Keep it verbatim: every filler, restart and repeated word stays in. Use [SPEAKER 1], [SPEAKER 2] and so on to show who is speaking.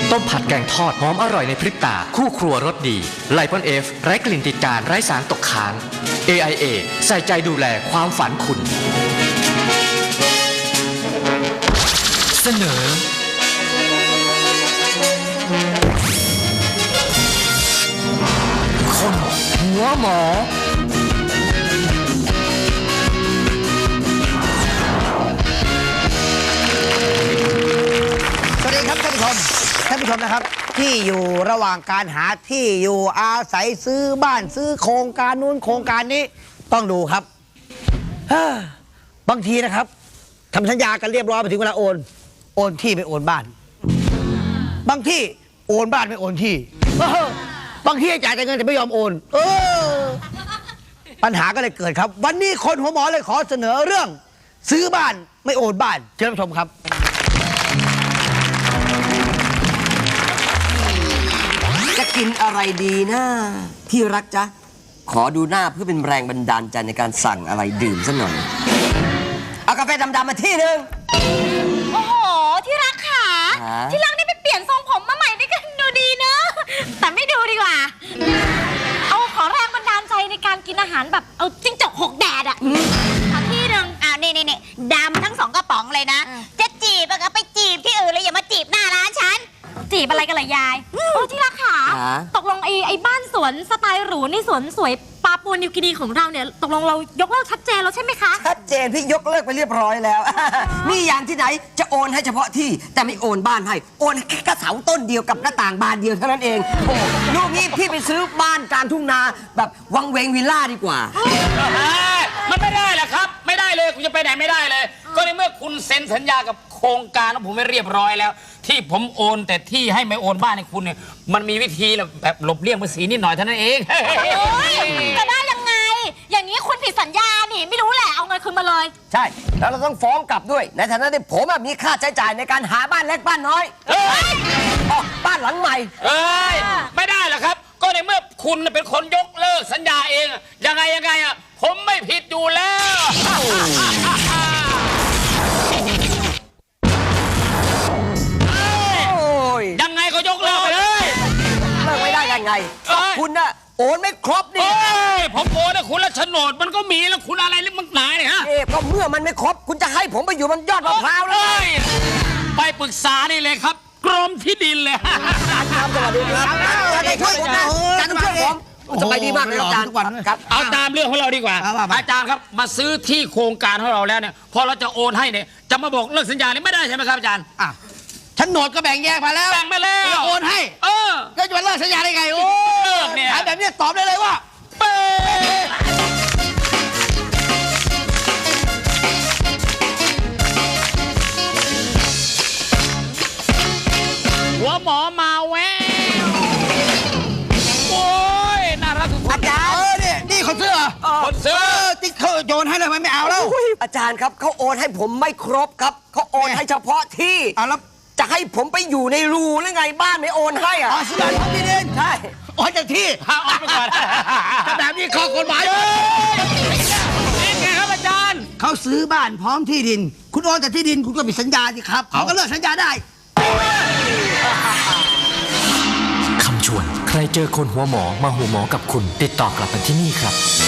[SPEAKER 1] ต้มผัดแกงทอดหอมอร่อยในพริบตาคู่ครัวรสดีไลปอนเอฟไร้กลิ่นติดจานไร้สารตกค้าง เอ ไอ เอ ใส่ใจดูแลความฝันคุณเสนอคนหัวหมอ
[SPEAKER 2] สวัสดีครับท่านผู้ชมท่านผู้ชมนะครับที่อยู่ระหว่างการหาที่อยู่อาศัยซื้อบ้านซื้อโครงการนู้นโครงการนี้ต้องดูครับบางทีนะครับทำสัญญากันเรียบร้อยไปถึงเวลาโอนโอนที่ไม่โอนบ้านบางที่โอนบ้านไม่โอนที่บางที่จ่ายแต่เงินแต่ไม่ยอมโอนเออปัญหาก็เลยเกิดครับวันนี้คนหัวหมอเลยขอเสนอเรื่องซื้อบ้านไม่โอนบ้านเชิญชมครับ
[SPEAKER 3] จะกินอะไรดีนะที่รักจ๊ะขอดูหน้าเพื่อเป็นแรงบันดาลใจในการสั่งอะไรดื่มสักหน่อยเอากาแฟดำๆมาที่หนึ่ง
[SPEAKER 4] โอ้โหที่รักค่ะที่รักนี่ไปเปลี่ยนทรงผมมาใหม่นี่ก็ดูดีเนอะแต่ไม่ดูดีกว่าเอาขอแรงบันดาลใจในการกินอาหารแบบเอาจิ้งจกหกแดดอะเอาที่หนึ่งอ่านี่นี่นี่ดำทั้งสองกระป๋องเลยนะจะจีบก็ไปจีบที่อื่นเลยอย่ามาจีบหน้าร้านฉันจีบอะไรกันล่ะยายโอ้ที่รักค่ะตกลงไอ้ไอ้บ้านสวนสไตล์หรูนี่สวนสวยปาปัวนิวกินีของเราเนี่ยตกลงเรายกเลิกชัดเจนแล้วใช่ไหมคะ
[SPEAKER 3] ชัดเจนพี่ยกเลิกไปเรียบร้อยแล้วนี่อย่างที่ไหนจะโอนให้เฉพาะที่แต่ไม่โอนบ้านให้โอนแค่กระเสาต้นเดียวกับหน้าต่างบานเดียวเท่านั้นเองโอ้ลูกนี้พี่ไปซื้อบ้านกลางทุ่งนาแบบวังเวงวิลล่าดีกว่า
[SPEAKER 5] มันไม่ได้แหละครับไม่ได้เลยคุณจะไปไหนไม่ได้เลยก็ในเมื่อคุณเซ็นสัญญากับโครงการของผมไม่เรียบร้อยแล้วที่ผมโอนแต่ที่ให้ไม่โอนบ้านให้คุณเนี่ยมันมีวิธีแบบหลบเลี่ยงภาษีนิดหน่อยเท่านั้นเอง
[SPEAKER 4] จะได้ยังไงอย่างนี้คุณผิดสัญญานี่ไม่รู้แหละเอาเงินคืนมาเลย
[SPEAKER 3] ใช่แล้วเราต้องฟ้องกลับด้วยในฐานะที่ผมมีค่าใช้จ่ายในการหาบ้านเล็กบ้านน้อยบ้านหลังใหม่
[SPEAKER 5] เอ้ยไม่ได้หรอกครับก็ในเมื่อคุณเป็นคนยกเลิกสัญญาเองยังไงยังไงอ่ะผมไม่ผิดอยู่แล้วยังไงก็ยกเลิกไปเลย
[SPEAKER 3] เลิกไม่ได้ยังไงคุณน่ะโอนไม่ครบนี่
[SPEAKER 5] ผมโอนนะคุณแล้วโฉนดมันก็มีแล้วคุณอะไรเรื่องมันหนาเนี่ยฮะ
[SPEAKER 3] เอ๊ะก็เมื่อมันไม่ครบคุณจะให้ผมไปอยู่บนยอดมะพร้าวเลย
[SPEAKER 5] ไปปรึกษานี่เลยครับกรมที่ดินเลย
[SPEAKER 3] ครับสวัสดีครับจะได้ช่วยผมนะจะได้ช่วยผมสบายดีมากเลยอาจารย์
[SPEAKER 5] ครับเอาตามเรื่องของเราดีกว่าอาจารย์ครับมาซื้อที่โครงการของเราแล้วเนี่ยพอเราจะโอนให้เนี่ยจะมาบอกเลิกสัญญานี่ไม่ได้ใช่ไหมครับอาจารย์
[SPEAKER 2] ฉันโหนดก็แบ่งแยกมาแล้ว
[SPEAKER 5] แบ่งไปแล้ว
[SPEAKER 2] โอนให้
[SPEAKER 5] เออ
[SPEAKER 2] ก็จะมาเลิกสัญญาได้ไงโอ้
[SPEAKER 5] เลิกเนี่ย
[SPEAKER 2] แบบนี้ตอบได้เลยว่าเป๊ะ
[SPEAKER 5] หัวหมอมาแววโอ้ยน่ารักทุกคน
[SPEAKER 2] อาจารย์เออเนี่ยนี่คนซื้อ
[SPEAKER 5] คนซื้อ
[SPEAKER 2] ที่เขาโยนให้เลยไม่เอาแล้ว
[SPEAKER 3] อาจารย์ครับเขาโอนให้ผมไม่ครบครับเขาโอนให้เฉพาะที่
[SPEAKER 2] แล้ว
[SPEAKER 3] จะให้ผมไปอยู่ในรูหรือไงบ้านไม่โอนให้อ่ะ
[SPEAKER 2] ซื้อบ้านของที่ดิน
[SPEAKER 3] ใช่
[SPEAKER 2] โอนจากที่
[SPEAKER 5] เอาออกไปก่อน
[SPEAKER 2] ถ้าแบบนี้ข้อกฎหมาย
[SPEAKER 5] นี่ไงครับอาจารย์
[SPEAKER 2] เขาซื้อบ้านพร้อมที่ดินคุณโอนจากที่ดินคุณก็มีสัญญาสิครับเขาก็เลิกสัญญาได้
[SPEAKER 1] คำชวนใครเจอคนหัวหมอมาหัวหมอกับคุณติดต่อกลับมาที่นี่ครับ